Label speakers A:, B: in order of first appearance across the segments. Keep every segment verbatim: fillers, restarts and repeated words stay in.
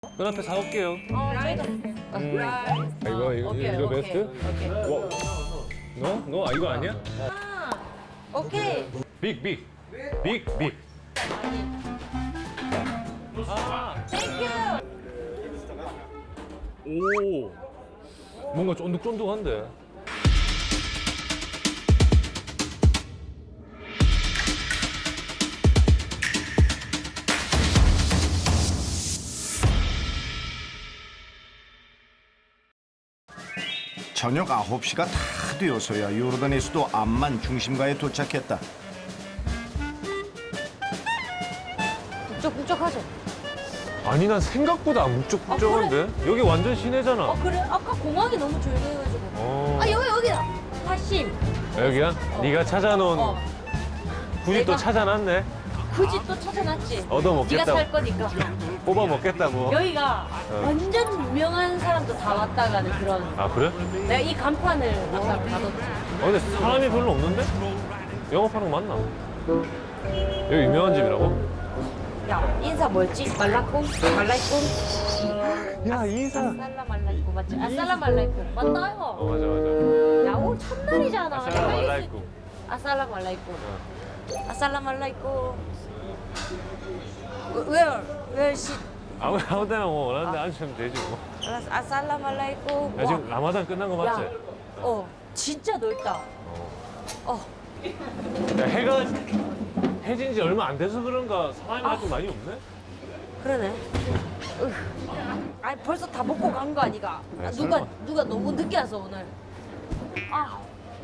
A: 그 앞에 사올게요.
B: 어, 저희도.
A: 음. 아, 이거 이거
B: 오케이,
A: 이거
B: 오케이,
A: 베스트?
B: 오케이.
A: 와. 너? 너? 아, 이거 아니야?
B: 아, 오케이.
A: 빅 빅. 빅 빅. 아.
B: 땡큐.
A: 오. 뭔가 쫀득쫀득한데.
C: 저녁 아홉 시가 다 되어서야 요르단의 수도 암만 중심가에 도착했다.
B: 북적북적하죠?
A: 아니 난 생각보다 안 묵적묵적한데? 여기 완전 시내잖아.
B: 어, 그래? 아까 공항이 너무 조용해가지고.
A: 어.
B: 아, 여기, 여기다. 화심.
A: 여기야? 네가 찾아놓은
B: 어.
A: 굳이 또
B: 내가-
A: 찾아놨네.
B: 굳이 또 찾아놨지.
A: 얻어먹겠다고.
B: 네가 살 거니까.
A: 뽑아 먹겠다고.
B: 여기가
A: 어.
B: 완전 유명한 사람도 다 왔다 가는 그런.
A: 아 그래?
B: 내가 이 간판을 아까 받았지.
A: 아 근데 사람이 별로 없는데? 영업하는 거 맞나? 여기 유명한 집이라고?
B: 야, 인사 뭐였지? 말라꿍? 말라이꿍?
A: 야 인사.
B: 아살라 말라이꿍 맞지? 아살라 말라이꿍 맞다
A: 어
B: 이거.
A: 맞아 맞아.
B: 야, 오늘 첫날이잖아.
A: 아살라 말라이꿍.
B: 아살라 말라이꿍.
A: 어.
B: 아살라 말라이꿍. Where? Where she?
A: 아무 아무 데나 뭐 원하는데 앉으면 되지 뭐.
B: 아살라 말라이꿍.
A: 야 지금 라마단 끝난 거 맞지?
B: 야, 어, 진짜 넓다. 어,
A: 야 해가 해진 지 얼마 안 돼서 그런가 사람이 아직 많이 없네?
B: 그러네. 으. 아니 벌써 다 먹고 간 거 아니가?
A: 아,
B: 아, 누가
A: 설마.
B: 누가 너무 늦게 와서 오늘. 아.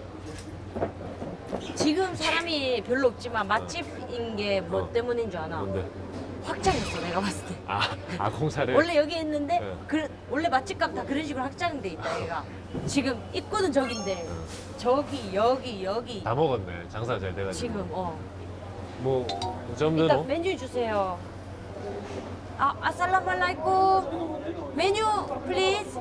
B: 지금 사람이 별로 없지만 맛집인 게 뭐
A: 어.
B: 때문인 줄 아나?
A: 뭔데?
B: 확장했어 내가 봤을 때.
A: 아, 아 공사를?
B: 원래 여기 있는데
A: 네.
B: 그, 원래 맛집값 다 그런 식으로 확장돼 있다 얘가. 지금 입구는 저긴데 저기 여기 여기
A: 다 먹었네 장사 잘 돼가지고.
B: 지금 어.
A: 뭐 이 정도로?
B: 일단 메뉴 주세요. 아, 아살라말라이쿰. 메뉴 플리즈.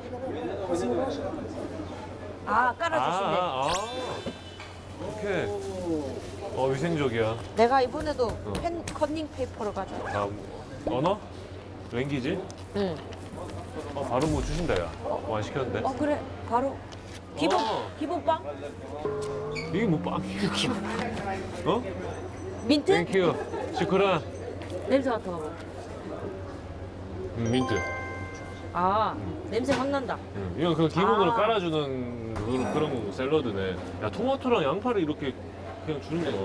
B: 아, 깔아주시네.
A: 아, 아, 아. 오케이. 어 위생적이야.
B: 내가 이번에도 펜 커닝 페이퍼를 가져왔어.
A: 아 언어? 랭귀지?
B: 응.
A: 어, 바로 뭐 주신다 야. 뭐 안 시켰는데?
B: 어, 그래. 바로 기본
A: 어.
B: 기본빵.
A: 이게 뭐 빵이야? 어?
B: 민트?
A: 땡큐. 시크란.
B: 냄새 맡아봐.
A: 음, 민트.
B: 아, 냄새 확 난다.
A: 음, 이건 그 기본으로
B: 아.
A: 깔아주는 그런, 그런 거 샐러드네. 야 토마토랑 양파를 이렇게 그냥 주는 거야.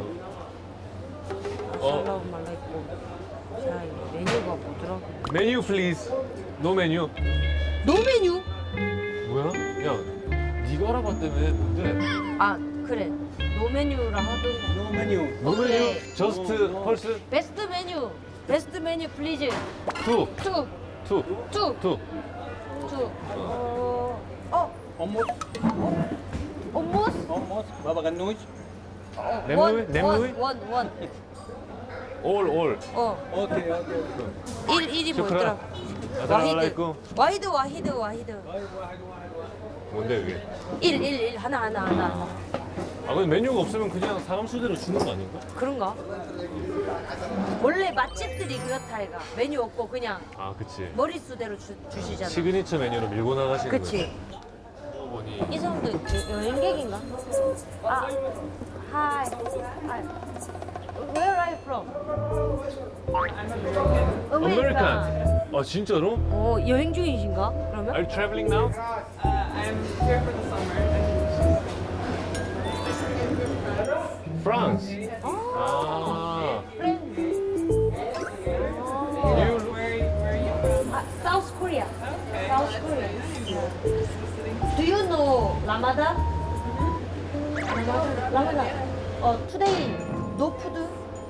A: 어.
B: 아살라말라이쿰. 자, 이 메뉴가 뭐더라고?
A: 메뉴 플리즈. 노 메뉴.
B: 노 메뉴?
A: 뭐야? 야, 네가 알아봤다며 뭔데?
B: 아, 그래. 노 메뉴라 하던.
A: 노 메뉴.
B: 오케이.
A: 저스트 펄스
B: 베스트 메뉴. 베스트 메뉴 플리즈.
A: 투.
B: 투.
A: 투.
B: 투.
A: 투.
B: 투. 어. 어.
D: Almost,
B: almost.
D: almost. Baba ganoush.
A: 냄무이? 냄무이?
B: 원, 원, 원.
A: 올 올.
B: 어.
D: Okay, okay.
B: 일, 일이 뭐였더라?
A: 슈크란.
B: 와히드.
A: 아살라말라이쿰.
B: 와히드, 와히드, 와히드.
A: 뭔데 이게?
B: 일, 일, 일. 하나, 하나, 하나. 하나.
A: 아 근데 메뉴가 없으면 그냥 사람 수대로 주는 거 아닌가?
B: 그런가? 원래 맛집들이 그렇다 해가. 메뉴 없고 그냥
A: 아 그치.
B: 머릿수대로 주, 주시잖아.
A: 시그니처 메뉴로 밀고 나가시는 거지.
B: 그치.
A: 보니
B: 이 사람도 여- 여행객인가? 아, hi. hi. Where are you from?
A: 아메리칸. 아 진짜로?
B: 어, 여행 중이신가? 그러면?
A: Are you traveling now? France. 아.
B: Friend.
A: You look
B: 아, South Korea. South Korea. Do you know Ramadan? Ramadan. 어, today no food.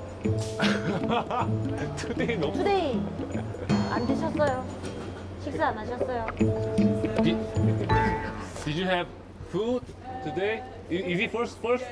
A: today 너무.
B: Today 안 드셨어요? 식사 안 하셨어요?
A: Did, did you have food today? I- Is it first first?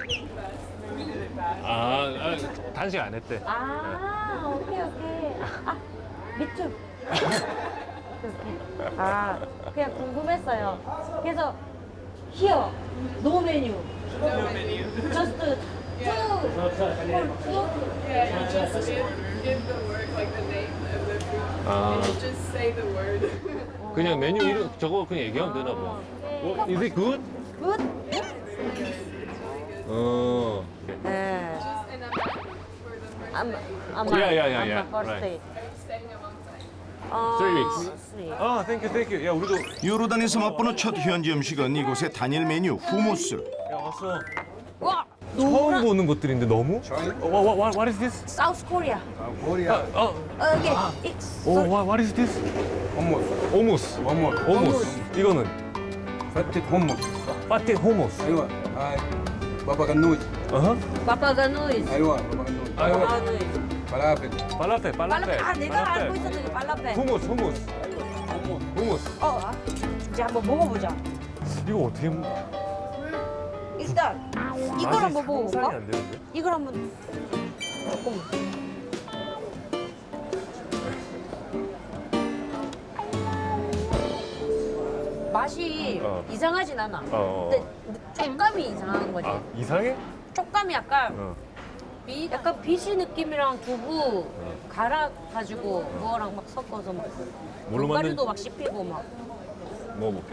A: 아, 아 단식 안 했대.
B: 아, 오케이 오케이. 아, 미투. 오케이, 오케이. 아, 그냥 궁금했어요. 그래서 here no menu. No menu. Just two. Two.
E: Yeah, you just give, give the work like the name of the food
A: 아,
E: Just say the word.
A: 그냥 메뉴 이름 저거 그냥 얘기하면 되나 봐. 어, is it good?
B: Good?
A: 어.
B: 네.
E: And I'm back for the first
B: I'm, I'm
A: Yeah, yeah, yeah,
B: I'm
A: yeah.
B: a first
A: Right.
B: day.
E: staying a long time.
B: 어,
A: Three weeks.
B: three.
A: 아, 땡큐 땡큐. 야, 우리도
C: 요르단에서 맛보는 첫 현지 음식은 이곳의 단일 메뉴 후무스.
A: 야, 왔어.
B: 와,
A: 처음 보는 것들인데 너무? 어, what, what, what is this?
B: South Korea.
D: Korea.
A: 어,
B: Okay, it's
A: 어, what, what is this?
D: Hummus.
A: 오무스.
D: Hummus.
A: 오무스. 이거는
D: فتة hummus.
A: 파티 호모스.
D: ايوه هاي بابا غنوج.
A: 어허.
B: Papa Ganoush.
D: ايوه بابا غنوج.
A: 아유,
D: فلافل.
A: 발라페,
B: 발라페.
A: 발라페.
B: 아, 내가 알고 있었던 게 발라페.
A: 후무스, 후무스. 후무스.
B: 어, 아, 이제 한번 먹어보자.
A: 이거 어떻게
B: 일단 이걸
A: 맛이
B: 한번 먹어볼까?
A: 상상이 안 되는데?
B: 이걸 한번 조금. 맛이
A: 어.
B: 이상하진 않아.
A: 어, 어.
B: 근데 촉감이 이상한 거지.
A: 아, 이상해?
B: 촉감이 약간
A: 어.
B: 비, 약간 비시 느낌이랑 두부 갈아 가지고 그거랑 막 섞어서 막
A: 뭘로
B: 견과류도
A: 만든-
B: 막 씹히고 막.
A: 먹어볼게.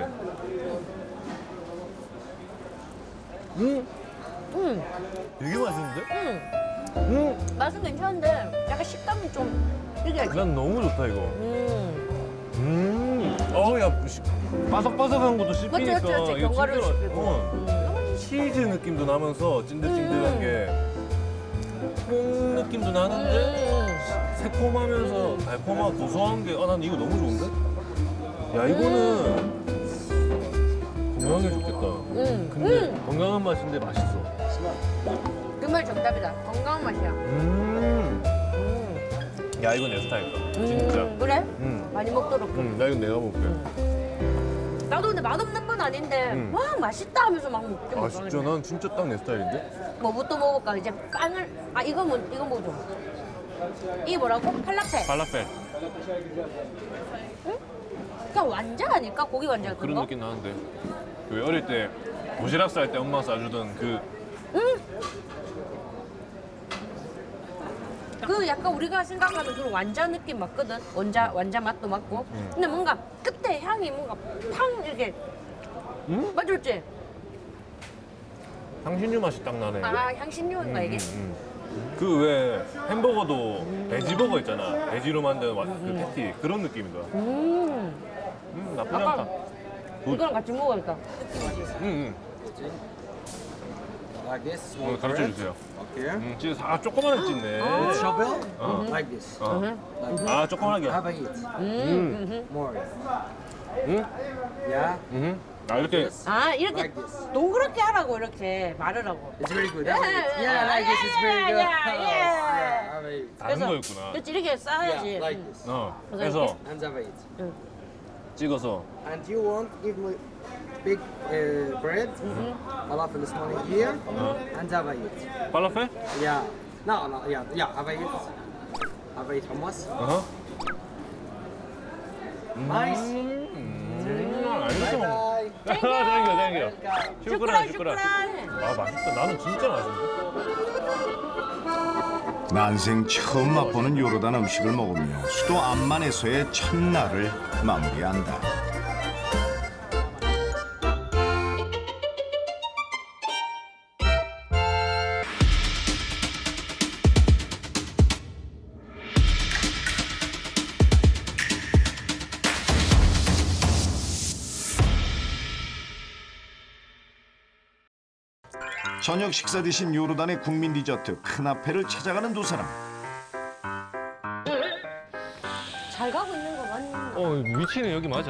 B: 음,
A: 되게 맛있는데?
B: 음,
A: 음.
B: 맛은 괜찮은데 약간 식감이 좀 이게.
A: 난 너무 좋다 이거.
B: 음,
A: 음. 어, 야, 시- 바삭바삭한 것도 씹히니까.
B: 맞지, 맞지, 맞지.
A: 이거
B: 견과류
A: 진짜-
B: 씹히고.
A: 어.
B: 음.
A: 치즈 느낌도 나면서 찐득찐득한
B: 음.
A: 게. 콩 느낌도 나는데
B: 음.
A: 새콤하면서 달콤하고 고소한 게. 아, 난 이거 너무 좋은데? 야, 이거는 건강에 좋겠다.
B: 음.
A: 근데
B: 음.
A: 건강한 맛인데 맛있어.
B: 그 말 정답이다. 건강한 맛이야.
A: 음.
B: 음.
A: 야, 이거 내 스타일이다. 진짜.
B: 음, 그래?
A: 음.
B: 많이 먹도록.
A: 음, 나 이거 내가 먹을게.
B: 나도 근데 맛없는 건 아닌데
A: 음.
B: 와 맛있다 하면서 막 먹게
A: 아,
B: 먹어.
A: 진짜 난 진짜 딱 내 스타일인데?
B: 뭐부터 먹을까? 이제 빵을 아 이거 뭐 이거 뭐죠? 이게 뭐라고? 팔라페.
A: 발라펠.
B: 그냥 완자 아닐까? 고기 완자 같은
A: 그런
B: 거?
A: 느낌 나는데. 그 어릴 때 도시락 쌀 때 엄마가 싸주던 그.
B: 그 약간 우리가 생각하는 그런 완자 느낌 맞거든. 완자 완자 맛도 맞고.
A: 음.
B: 근데 뭔가 끝에 향이 뭔가 팡 이렇게
A: 음?
B: 맞을지?
A: 향신료 맛이 딱 나네.
B: 아 향신료인가 이게?
A: 그 왜 햄버거도 베지버거 있잖아. 베지로 만든 와- 그 패티 그런 느낌이다.
B: 음.
A: 음, 나쁘지
B: 약간
A: 않다.
B: 이거랑 같이 먹어야겠다.
A: 음, 음.
D: Like this.
A: 오늘 가르쳐 주세요.
D: Okay.
A: 음, 진짜 아 조그만하게 찢네.
D: With shovel.
A: 어.
D: Like this.
A: 어.
B: 음.
A: 아 조그만하게.
D: Have a eat.
B: 음.
D: More.
A: 응?
D: Yeah.
A: 음. 아 이렇게.
B: 아 이렇게
D: Like this.
B: 동그랗게 하라고 이렇게 말을 하고.
D: It's very good. Have a eat. Yeah, like this is very good.
B: Yeah, yeah, yeah.
D: Yeah, have a eat.
A: 다른 거였구나.
B: 그렇지 이렇게 싸야지.
D: Yeah, like this.
A: 어.
B: 그래서
A: 그래서
D: And have a eat.
A: 찍어서.
D: And you want give me big uh, bread, falafel small in here,
A: 어.
D: and have a eat.
A: 발라펠?
D: Yeah. No, no, yeah, yeah, have a eat. Have a eat hummus.
A: 어허.
D: Nice.
A: 음. 아, 이렇게 먹는.
D: Bye.
A: 땡겨 땡겨. 슈크란
B: 슈크란
A: 슈크란.
B: 슈크란.
A: 아 맛있다. 나는 진짜 맛있는데.
C: 난생 처음 맛보는 요르단 음식을 먹으며 수도 암만에서의 첫날을 마무리한다. 저녁 식사 대신 요르단의 국민 디저트 크나페를 찾아가는 두 사람.
B: 잘 가고 있는 거 맞나?
A: 어 위치는 여기 맞아.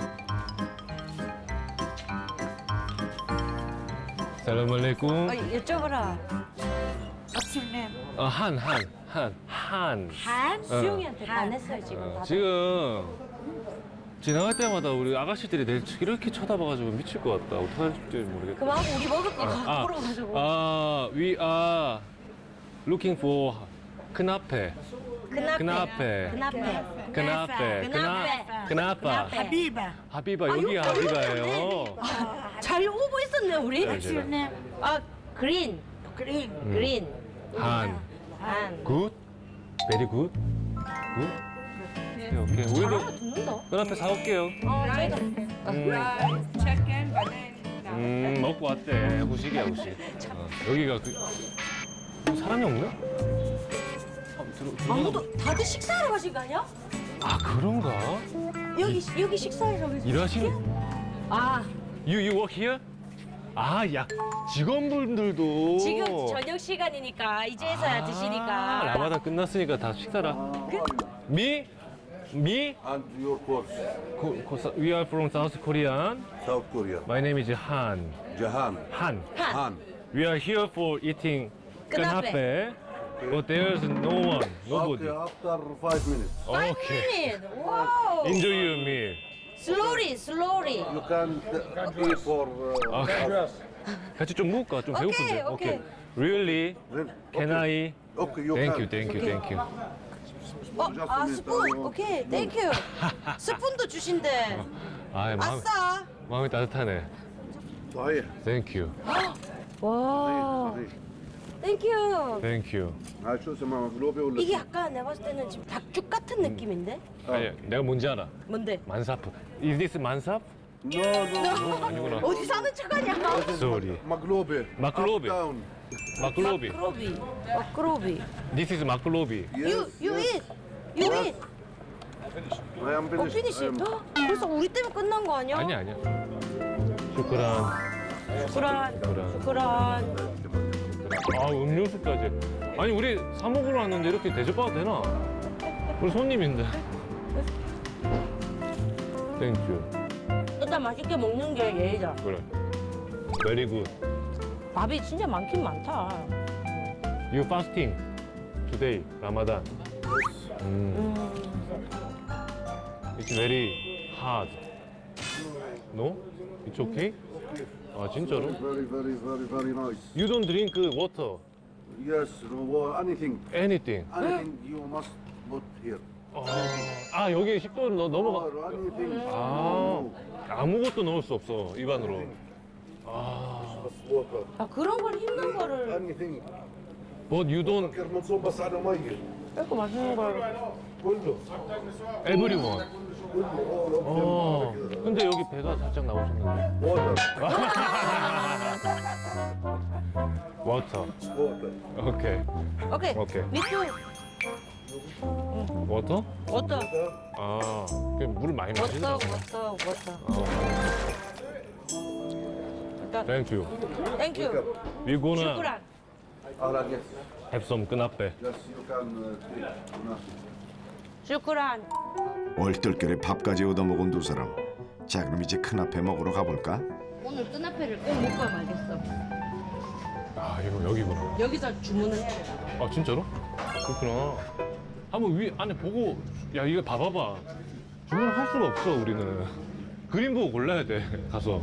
A: 살람 알레이쿰.
B: 어, 여쭤봐라. What's your name?
A: 어, 한, 한, 한, 한.
B: 한? 수영이한테 반했어요 지금
A: 어,
B: 다들.
A: 지금 지나갈 때마다 우리 아가씨들이 내 이렇게 쳐다봐가지고 미칠 것 같다. 어떡할지 모르겠다.
B: 그만하고 우리 먹을 거
A: 아,
B: 갖고 오가지고.
A: 아, we are looking for 크나페.
B: 그나페.
A: 그나페.
B: 그나페.
A: 그나페. 그나, 그나파.
B: 하비바.
A: 하비바, 여기가 하비바예요.
B: 잘 오고 있었네 우리.
A: 네, 제가.
B: 아 그린. 그린. 그린.
A: 한.
B: 한.
A: 굿? 베리 굿? 굿? 오케이 오케이. 우리도
B: 아, 듣는다.
A: 그 앞에 사올게요.
B: 어, 저희가.
A: 음,
E: check in, but then no.
A: 음 먹고 왔대. 후식이야 후식. 어, 여기가 그 사람이 없나? 아, 들어, 들어.
B: 아무도 다들 식사하러 가신 거 아니야?
A: 아 그런가?
B: 여기 여기 식사하러 가신
A: 일하시는?
B: 아,
A: You you work here? 아, 야 직원분들도
B: 지금 저녁 시간이니까 이제서야
A: 아,
B: 드시니까.
A: 라마단 끝났으니까 다 식사라. Me, me,
F: And your course,
A: Ko- Ko- we are from South Korean.
F: South Korea.
A: My name is Han.
F: Jahan.
A: Han.
F: Han.
A: We are here for eating
B: 그나페.
A: kanape, but there's no one, nobody.
F: Okay, after five minutes.
B: Five
A: Okay.
B: minutes. Wow.
A: Enjoy your meal.
B: Slowly, slowly.
F: You can uh, eat for. Uh,
A: Okay. 같이 좀 먹을까? 좀
B: 오케이,
A: 배고픈데.
B: 오케이.
A: Really?
F: then,
A: Can I?
F: okay, you
A: Thank
F: can.
A: you, thank you, thank you.
B: 어, 아 스푼. 오케이, 땡큐. 스푼도 주신대.
A: 아, 마음,
B: 아싸.
A: 마음이 따뜻하네.
F: صحيح.
A: Thank you,
B: 와,
F: صحيح.
B: 땡큐.
A: thank you.
F: هاي شو اسمها مقلوبة ولا
B: 이게 약간 내가 봤을 때는 지금 닭죽 같은 느낌인데?
A: 아니, 내가 뭔지 알아.
B: 뭔데?
A: 만사프. Is this 만삽?
F: No, no.
A: 아니구나.
B: 어디 사는 척하냐?
A: Sorry.
F: مقلوبة.
A: مقلوبة.
F: Up, down.
A: 마클로비.
B: 마크로비. 마크로비.
A: This is 마클로비.
B: You, you eat. You eat.
F: I am
B: 어,
F: finished.
B: 피니시.
F: I am-
B: 헉, 벌써 우리 때문에 끝난 거 아니야?
A: 아니야, 아니야. 슈크란.
B: 슈크란.
A: 슈크란.
B: 슈크란.
A: 아, 음료수까지. 아니, 우리 사 먹으러 왔는데 이렇게 대접받아도 되나? 우리 손님인데. 땡큐.
B: 일단 맛있게 먹는 게 예의다.
A: 그래. Very good.
B: 밥이 진짜 많긴 많다.
A: You fasting today, Ramadan. 음. It's very hard. No? It's okay? 아, 진짜로?
F: Very, very, very, very nice.
A: You don't drink water,
F: Yes, no, anything.
A: anything.
F: Anything you must put here.
A: 아, 아 여기 식도를 넣- 넘어가.
F: Or anything.
A: 아, 아무것도 넣을 수 없어, 입안으로. 아,
F: بس water.
B: 아 그런 걸 힘든 거를
F: Anything.
A: but you don't,
F: فكر منصوب بس على مية.
B: 이렇게 맛있는 걸.
F: كله.
A: everyone.
F: كله. all of them.
A: 어, 근데 여기 배가 살짝 나오셨는데.
F: Water.
A: Water.
F: Water.
A: 오케이.
B: 오케이.
A: 오케이.
B: 미투.
A: Water?
B: 워터.
A: 아, 그냥 물을 많이 마시나
B: 워터.
A: 봐.
B: 워터. 워터.
A: 어,
B: 일단
A: thank you.
B: 땡큐.
A: We gonna
B: 슈크란.
F: Alright, yes.
A: have some knappe.
F: Yes, you can uh, take.
B: 슈크란.
C: 얼떨결에 밥까지 얻어먹은 두 사람. 자, 그럼 이제 큰앞에 먹으러 가볼까?
B: 오늘 끈앞에를 꼭 먹고 말겠어.
A: 아, 이거 여기구나.
B: 여기서 주문을 해야 돼.
A: 아, 진짜로? 그렇구나. 한번 위 안에 보고, 야, 이거 봐봐봐. 주문할 수가 없어, 우리는. 그림 보고 골라야 돼, 가서.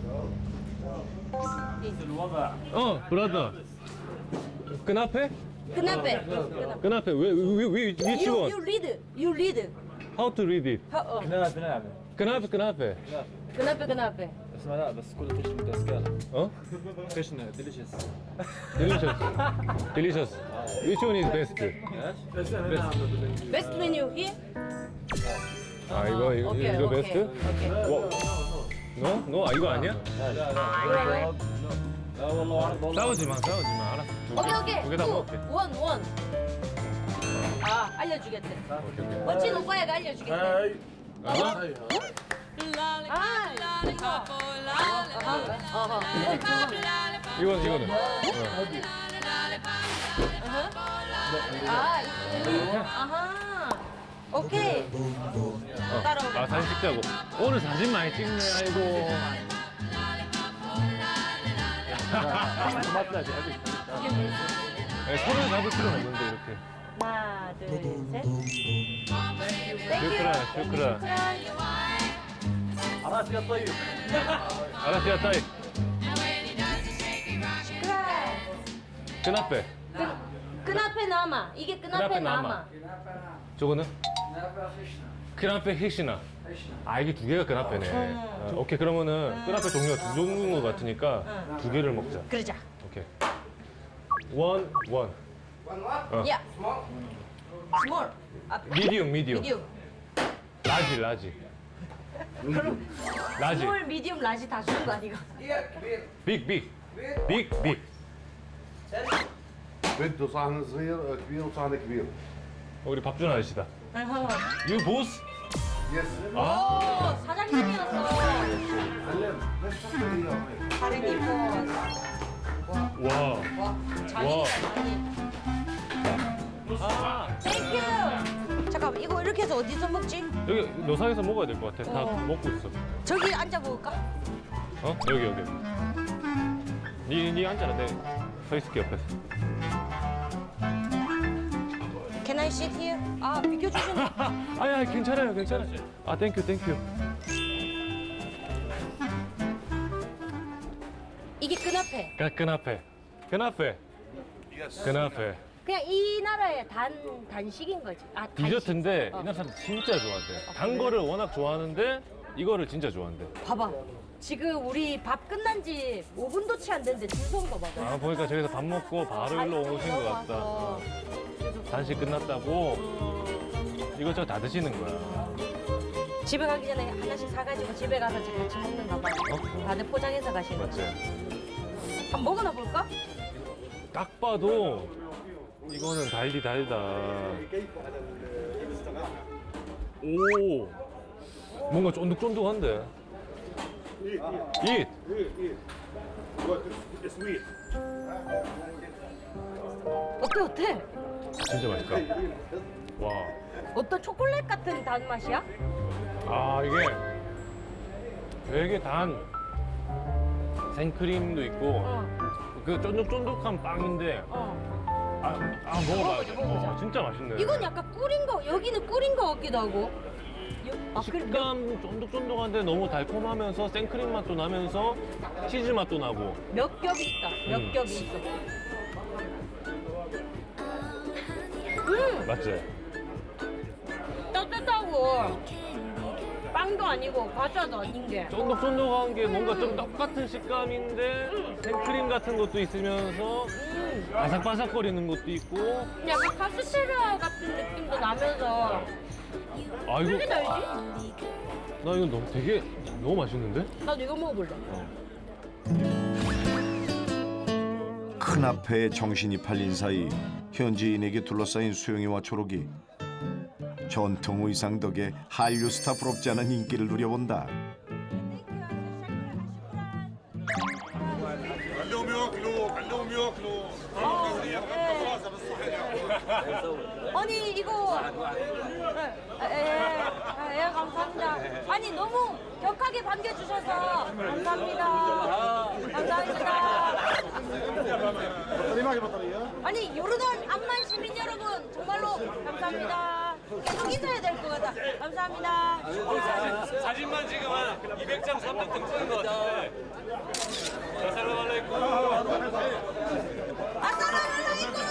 A: 어, 브라더. 끈앞에?
B: 끈앞에. 끈앞에.
A: 끈앞에. 왜, 왜, 왜, which
B: You,
A: one?
B: you read. You read.
A: How to read it?
B: 하, 어.
A: 끈앞에, 끈앞에.
B: 끈앞에 끈앞에.
G: اسمع لا بس كل فيش متسكر
A: 어?
G: فيش ديليشيس
A: Delicious. Delicious. Which one is best?
B: Best menu here.
A: 아, 이거, 이거,
B: 오케이,
A: 이거
B: 오케이,
A: 베스트?
B: 오케이.
A: 뭐? 너? 너? 아, 이거 아니야?
B: 왜, 왜?
G: لا والله عرض والله
A: 싸우지 마, 싸우지 마. 알았어. 두 개,
B: 오케이 오케이.
A: 두개 다
B: 투,
A: 먹을게.
B: 원, 원. 아 알려주겠대.
A: 오케이, 오케이.
B: 멋진 오빠야가 알려주겠대.
A: 아,
B: 아 이거. 아하. 어허.
A: 이건, 이거는. 어.
B: 아 이거. 아하. 오케이.
A: 어.
B: 따라오고.
A: 아, 사진 찍자고. 오늘 사진 많이 찍네, 아이고. 네, 손을 잡을 필요는 없는데, 이렇게.
B: 하나, 둘, 셋.
A: 슈크라, 슈크라.
G: عرفت يا طيب
A: 알았어, 야, 따이.
B: 슈크라.
A: 끈앞에.
B: 끈앞에 남아. 이게 끈앞에
A: 끈앞에
B: 남아.
A: 남아. 저거는? 끈앞에 힉시나. 아, 이게 두 개가 끈앞에네. 아, 오케이, 그러면은 끈앞에 종류가 두 종류인 것 같으니까 두 개를 먹자.
B: 그러자.
A: 오케이. 원, 원. 어.
B: 야. 스몰. 아,
A: 미디움, 미디움.
B: 미디움.
A: 라지 라지. 라지.
B: 스몰, 미디움, 라지 다 주는 거 아니가?
A: 빅 빅. 빅 빅.
F: بده صحن صغير كبير وصحن كبير.
A: 우리 밥준 아저씨다. 유 보스.
F: يس.
B: 오, 사장님이었어. 사장님 뭐.
A: 와.
B: 와, 장인이다, 장인.
A: 아
B: 땡큐. 잠깐만, 이거 이렇게 해서 어디서 먹지?
A: 여기 노상에서 먹어야 될 것 같아. 다
B: 어.
A: 먹고 있어.
B: 저기 앉아 먹을까?
A: 어? 여기 여기. 니, 니 앉아라. 내 서 있을게 옆에서.
B: Can I sit here? 아, 비켜주시네.
A: 아야 괜찮아요 괜찮아요. 아 땡큐 땡큐.
B: 이게 끈앞에.
A: 그, 끈앞에. 끈앞에. 끈앞에.
B: 그냥 이 나라의 단, 단식인 거지. 아, 단식.
A: 디저트인데
B: 어.
A: 이 나라 사람들 진짜 좋아한대. 단 거를 워낙 좋아하는데 이거를 진짜 좋아한대.
B: 봐봐. 지금 우리 밥 끝난 지 오 분도 채 안 됐는데 줄 서는 거 봐봐.
A: 아 보니까 저기서 밥 먹고 바로 일로 오신 것 같다.
B: 와서.
A: 단식 끝났다고 이것저것 다 드시는 거야.
B: 집에 가기 전에 하나씩 사가지고 집에 가서 같이 먹는가 봐.
A: 어?
B: 다들 포장해서 가시는 거.
A: 맞지?
B: 한번 먹어나 볼까?
A: 딱 봐도 이거는 달디 달다. 오, 뭔가 쫀득쫀득한데. 잇.
B: 어때 어때?
A: 진짜 맛있다. 와,
B: 어떤 초콜릿 같은 단맛이야?
A: 아 이게 되게 단 생크림도 있고
B: 어,
A: 그 쫀득쫀득한 빵인데
B: 어.
A: 아, 아 먹어봐야지.
B: 먹어보자, 먹어보자.
A: 어, 진짜 맛있네.
B: 이건 약간 꿀인 거, 여기는 꿀인 거 같기도 하고. 요- 아, 그래, 몇-
A: 식감 쫀득쫀득한데 너무 달콤하면서 생크림 맛도 나면서 치즈 맛도 나고.
B: 몇 겹이 있다. 몇
A: 음.
B: 겹이 있어. 음,
A: 맞지?
B: 따뜻하고 빵도 아니고 과자도 아닌 게.
A: 쫀득쫀득한 게 뭔가 좀 떡같은 식감인데 생크림 같은 것도 있으면서
B: 음,
A: 바삭바삭거리는 것도 있고.
B: 약간 카스테라 같은 느낌도 나면서.
A: 아
B: 왜 이렇게
A: 이거
B: 달지?
A: 나 이거 너무 되게 너무 맛있는데?
B: 나도 이거 먹어볼래.
C: 큰 앞에 정신이 팔린 사이 현지인에게 둘러싸인 수영이와 초록이 전통 의상 덕에 한류 스타 부럽지 않은 인기를 누려본다.
B: 아니 이거 예, 예, 예, 감사합니다. 아니 너무 격하게 반겨주셔서 감사합니다. 감사합니다. 아니 요르단 암만 시민 여러분 정말로 감사합니다. 계속 있어야 될 것 같다. 감사합니다.
A: 사진만 지금 한 이백 장, 삼백 장 찍은 것 같은데. 살라말레이쿰.
B: 아싸라말라이쿰.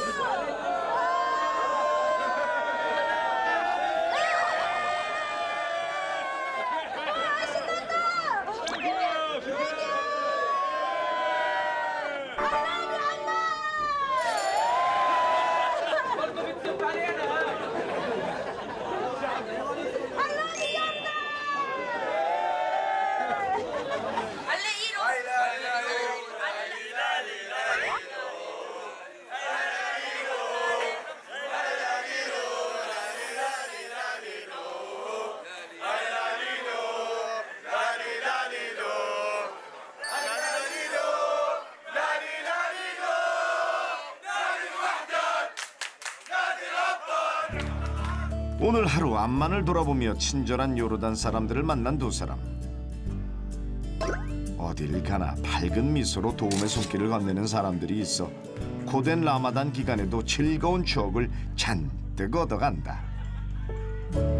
C: 오늘 하루 암만을 돌아보며 친절한 요르단 사람들을 만난 두 사람. 어딜 가나 밝은 미소로 도움의 손길을 건네는 사람들이 있어 고된 라마단 기간에도 즐거운 추억을 잔뜩 얻어간다.